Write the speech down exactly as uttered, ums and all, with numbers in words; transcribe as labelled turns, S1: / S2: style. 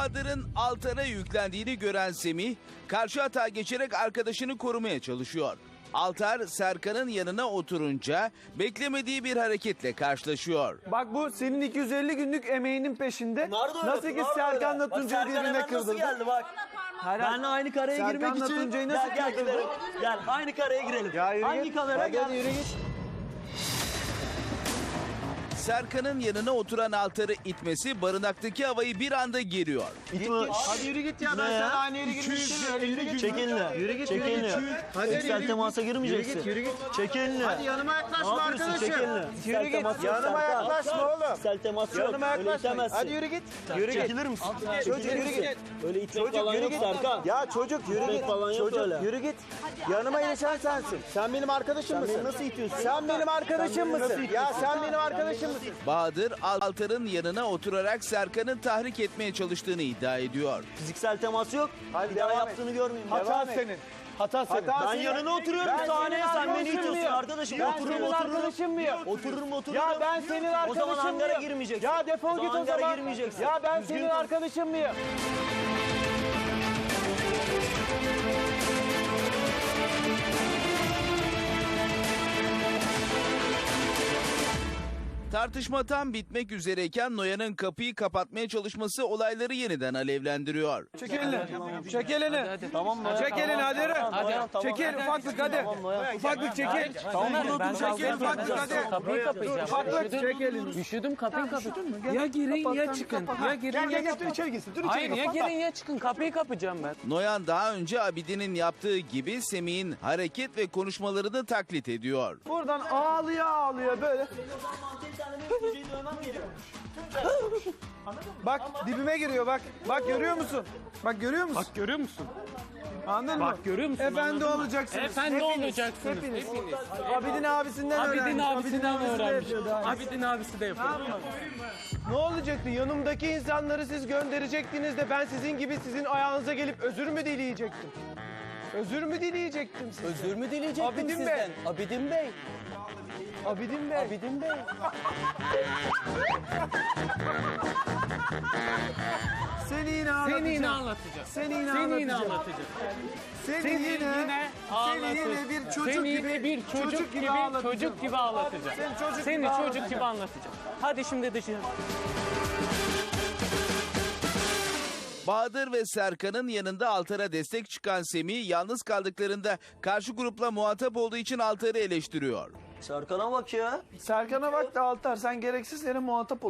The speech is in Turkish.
S1: Bahadır'ın Altar'a yüklendiğini gören Semih, karşı hata geçerek arkadaşını korumaya çalışıyor. Altar, Serkan'ın yanına oturunca beklemediği bir hareketle karşılaşıyor.
S2: Bak bu senin iki yüz elli günlük emeğinin peşinde.
S3: Pınar da öyle,
S2: Nasıl ki
S3: Pınar da
S2: Serkan'la
S3: öyle. Bak
S2: Tuncay
S3: Serkan
S2: birbirine
S3: hemen nasıl
S2: kırdıldı.
S3: geldi bak. Benle aynı kareye
S2: Serkan'la
S3: girmek için.
S2: Tuncay'ı nasıl
S3: Gel gel
S2: kırdın?
S3: gidelim. Gel aynı kareye girelim.
S2: Ya yürü
S3: Hangi
S2: git.
S3: kamera?
S2: Hadi,
S3: Gel
S2: hadi yürü git.
S1: Serkan'ın yanına oturan Altar'ı itmesi barınaktaki havayı bir anda geriyor.
S3: İtme.
S2: Hadi yürü git ya. Ben
S3: Ne ya?
S2: sana aynı yere girmek istemiyorum. Yürü git.
S3: Çek elini.
S2: Yürü git,
S3: Çek
S2: yürü
S3: elini.
S2: git. Hadi,
S3: Fiziksel
S2: yürü
S3: temasa
S2: git.
S3: girmeyeceksin.
S2: Yürü git, yürü git.
S3: Çek elini.
S2: Hadi yanıma yaklaşma
S3: Ne yapıyorsun?
S2: arkadaşım.
S3: Çek elini.
S2: Yürü
S3: Fiziksel
S2: git.
S3: temas yok
S2: Yanıma
S3: Serkan.
S2: yaklaşma oğlum.
S3: Fiziksel temas yok.
S2: Yanıma
S3: Öyle
S2: yaklaşma.
S3: itemezsin.
S2: Hadi yürü git. Yürü git.
S3: Çekilir misin?
S2: Çocuk yürü git.
S3: Öyle itmek
S2: Çocuk
S3: falan
S2: yürü
S3: yok
S2: git.
S3: Serkan.
S2: Ya çocuk yürü
S3: İtmek
S2: git.
S3: falan yok
S2: Çocuk
S3: öyle.
S2: yürü git. Yanıma ilişen sensin. Sen benim arkadaşım mısın?
S3: beni nasıl itiyorsun?
S2: Sen benim arkadaşım
S3: Sen beni nasıl
S2: mısın?
S3: itiyorsun?
S2: Ya sen benim arkadaşım mısın?
S1: Bahadır, Altar'ın yanına oturarak Serkan'ı tahrik etmeye çalıştığını iddia ediyor.
S3: Fiziksel temas yok.
S2: Hadi
S3: Bir daha
S2: devam et.
S3: yaptığını görmeyeyim.
S2: Hata
S3: Devam et.
S2: senin. Hata senin.
S3: Ben yanına oturuyorum
S2: Ben
S3: sahneye,
S2: senin
S3: sen beni
S2: arkadaşın
S3: itiyorsun
S2: mıyım?
S3: arkadaşım.
S2: Ben
S3: Otururum,
S2: senin
S3: otururum.
S2: arkadaşın mıyım?
S3: Otururum otururum.
S2: Ya ben senin arkadaşım
S3: O zaman hangara
S2: mıyım?
S3: girmeyeceksin.
S2: Ya defol
S3: O
S2: git
S3: zaman
S2: o zaman.
S3: hangara girmeyeceksin.
S2: Ya ben
S3: Düzgün
S2: senin
S3: konuş.
S2: arkadaşım mıyım?
S1: Tartışma tam bitmek üzereyken Noyan'ın kapıyı kapatmaya çalışması olayları yeniden alevlendiriyor.
S2: Çek elini. Çek elini.
S3: Tamam mı?
S2: Çek elini hadi yürü.
S3: Hadi.
S2: Çekil ufaklık hadi.
S3: Tamam, Noyan.
S2: Ufaklık çekil.
S3: Tamam burada
S2: Ben
S3: otur
S2: çekil
S3: çekil.
S2: ufaklık hadi.
S4: Kapıyı kapayacağım.
S2: Ufaklık çek elini.
S4: Üşüdüm kapıyı kapayacağım. Ya girin ya çıkın. Ya girin
S2: Gel
S4: ya
S2: gel gel
S4: çıkın.
S2: dur içeri girsin. Dur içeri
S4: Hayır
S2: gir.
S4: ya girin ya çıkın. Kapıyı kapayacağım ben.
S1: Noyan daha önce Abidin'in yaptığı gibi Semih'in hareket ve konuşmalarını taklit ediyor.
S2: Buradan ağlıyor ağlıyor böyle. Bak dibime giriyor bak. Bak görüyor musun? Bak görüyor musun?
S4: Bak görüyor musun?
S2: Anladın mı?
S4: Bak görüyor musun?
S2: Efendi
S4: Anladın mı?
S2: olacaksınız.
S4: Efendi
S2: Hepiniz,
S4: olacaksınız.
S2: Hepiniz.
S4: Hepiniz.
S2: Abidin abisinden
S4: Abidin
S2: öğrenmiş.
S4: abisinden
S2: abisi de
S4: öğrenmiş.
S2: yapıyor daha.
S4: Abidin abisi de yapıyor.
S2: Ne olacaktı? Yanımdaki insanları siz gönderecektiniz de ben sizin gibi sizin ayağınıza gelip özür mü dileyecektim? Özür mü dileyecektim sizden?
S3: Özür mü dileyecektim
S2: Abidin Bey.
S3: sizden? Abidin Bey.
S2: Abidin Bey.
S3: Abidin Bey.
S2: Seni yine ağlatacağım.
S4: Seni yine anlatacağım.
S2: Seni yine
S4: Seni yine
S2: ağlatacağım.
S4: anlatacağım.
S2: Seni,
S4: Seni
S2: yine,
S4: yine
S2: seni
S4: ağlatacağım.
S2: yine bir çocuk
S4: Seni
S2: gibi,
S4: yine bir çocuk gibi,
S2: ağlatacağım.
S4: çocuk gibi ağlatacağım.
S2: Seni çocuk
S4: Seni
S2: gibi
S4: çocuk
S2: ağlatacağım.
S4: gibi anlatacağım. Hadi şimdi dışarı.
S1: Bahadır ve Serkan'ın yanında Altar'a destek çıkan Semih yalnız kaldıklarında karşı grupla muhatap olduğu için Altar'ı eleştiriyor.
S3: Serkan'a bak ya.
S2: Serkan'a bak da Altar sen gereksiz yere muhatap ol.